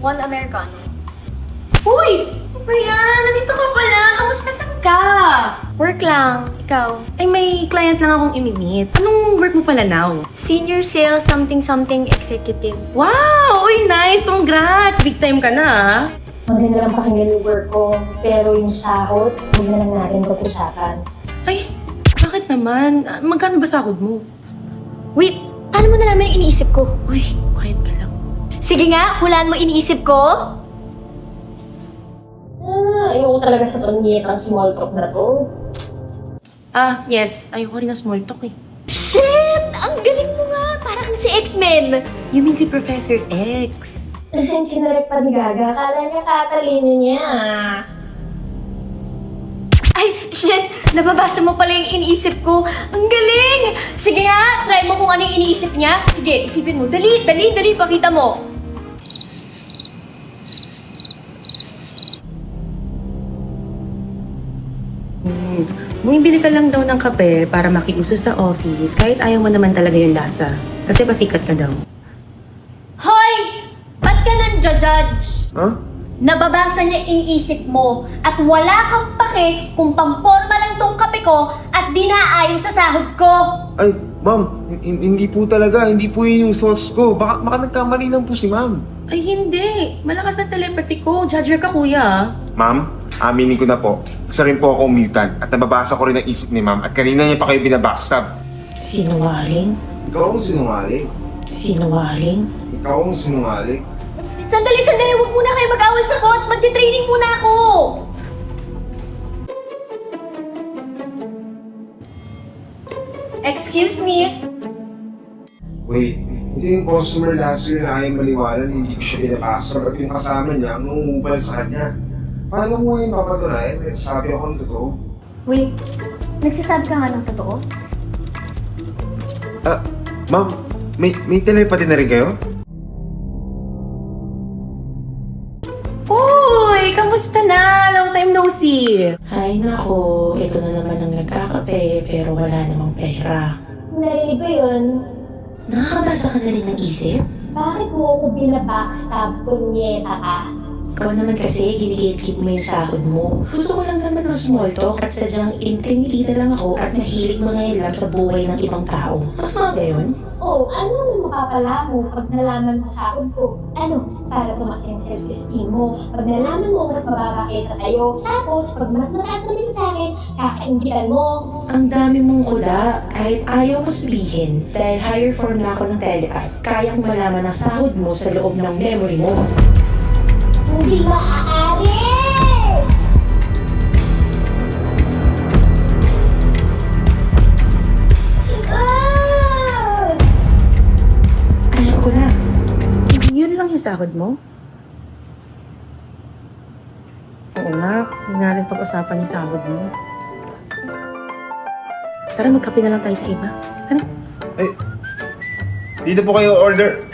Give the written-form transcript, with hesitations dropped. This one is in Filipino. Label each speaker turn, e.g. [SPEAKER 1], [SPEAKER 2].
[SPEAKER 1] 1 Americano.
[SPEAKER 2] Uy! Ano ba yan? Nandito ka pala. Kamusta saan ka?
[SPEAKER 1] Work lang. Ikaw?
[SPEAKER 2] Ay, may client lang akong imi-meet. Anong work mo pala now?
[SPEAKER 1] Senior sales something executive.
[SPEAKER 2] Wow! Uy, nice! Congrats! Big time ka na, ah.
[SPEAKER 3] Maganda lang pakinggan yung work ko, pero yung sahod, huwag na lang natin pag-usapan.
[SPEAKER 2] Ay, bakit naman? Magkano ba sahod mo?
[SPEAKER 1] Wait, paano mo nalaman yung iniisip ko?
[SPEAKER 2] Uy, quiet ka lang.
[SPEAKER 1] Sige nga, hulaan mo iniisip ko.
[SPEAKER 3] Ayoko talaga sa pangitang small talk na to.
[SPEAKER 2] Ah, yes. Ayoko rin na small talk eh.
[SPEAKER 1] Shit! Ang galing mo nga! Parang si X-Men!
[SPEAKER 2] You mean si Professor X?
[SPEAKER 3] Kinarek pa ni Gaga, akala niya katalino niya.
[SPEAKER 1] Ay, shit! Nababasa mo pala yung iniisip ko. Ang galing! Sige nga, try mo kung ano yung iniisip niya. Sige, isipin mo. Dali, pakita mo.
[SPEAKER 2] Bumibili ka lang daw ng kape para makiuso sa office kahit ayaw mo naman talaga yung lasa. Kasi pasikat ka daw.
[SPEAKER 1] Hoy! Ba't ka nang-judge?
[SPEAKER 4] Huh?
[SPEAKER 1] Nababasa niya iniisip mo at wala kang pake kung pamporma lang tong kape ko at di naayon sa sahod ko.
[SPEAKER 4] Ay, ma'am, hindi po talaga. Hindi po yun yung source ko. Baka nagkamali lang po si ma'am.
[SPEAKER 2] Ay hindi! Malakas ang telepathy ko. Judger ka kuya.
[SPEAKER 4] Ma'am, aminin ko na po. Isa rin po akong mutant at nababasa ko rin ang isip ni ma'am at kanina niya pa kayo binabackstab.
[SPEAKER 2] Sinungaling?
[SPEAKER 4] Ikaw ang sinungaling.
[SPEAKER 2] Sinungaling?
[SPEAKER 4] Ikaw ang sinungaling.
[SPEAKER 1] Sandali! Huwag muna kayo mag-awal sa coach. Magti-training muna ako. Excuse me?
[SPEAKER 4] Wait, ito yung customer last year na ayaw maniwala na hindi ko siya binabackstab at yung kasama niya ang nangungubal sa kanya. Paano mo ngayon papatunayan? Nagsasabi ako ng totoo.
[SPEAKER 1] Wait, nagsasabi ka nga ng totoo?
[SPEAKER 4] Ma'am, may telepathy na rin kayo?
[SPEAKER 2] Uy! Kamusta na? Long time no see!
[SPEAKER 5] Ay nako, ito na naman ang nagkakape pero wala namang pera.
[SPEAKER 3] Narinig ko yun.
[SPEAKER 5] Nakakabasa ka na rin ng isip?
[SPEAKER 3] Bakit mo ako binabackstab, punyeta ka?
[SPEAKER 5] Ikaw naman kasi, ginigit-git mo yung sahod mo. Gusto ko lang naman ng small talk at sadyang intrimitida lang ako at mahilig mangayalam sa buhay ng ibang tao. Mas mga ba yun?
[SPEAKER 3] Oh, ano naman mapapala mo pag nalaman mo sahod ko? Ano? Para tumaas yung self-esteem mo. Pag nalaman mo mas mababa kaysa sa'yo. Tapos, pag mas mataas naman sa akin, kakaingitan mo.
[SPEAKER 5] Ang dami mong kuda, kahit ayaw mo sabihin, dahil higher form na ako ng telepath, kaya kong malaman ang sahod mo sa loob ng memory mo.
[SPEAKER 3] Hindi maaari!
[SPEAKER 5] Alam ko na.
[SPEAKER 2] Yun lang yung sahod mo? Oo nga, hindi natin pag-usapan yung sahod mo. Tara, magkape na lang tayo sa iba. Tara.
[SPEAKER 4] Ay, dito po kayo order.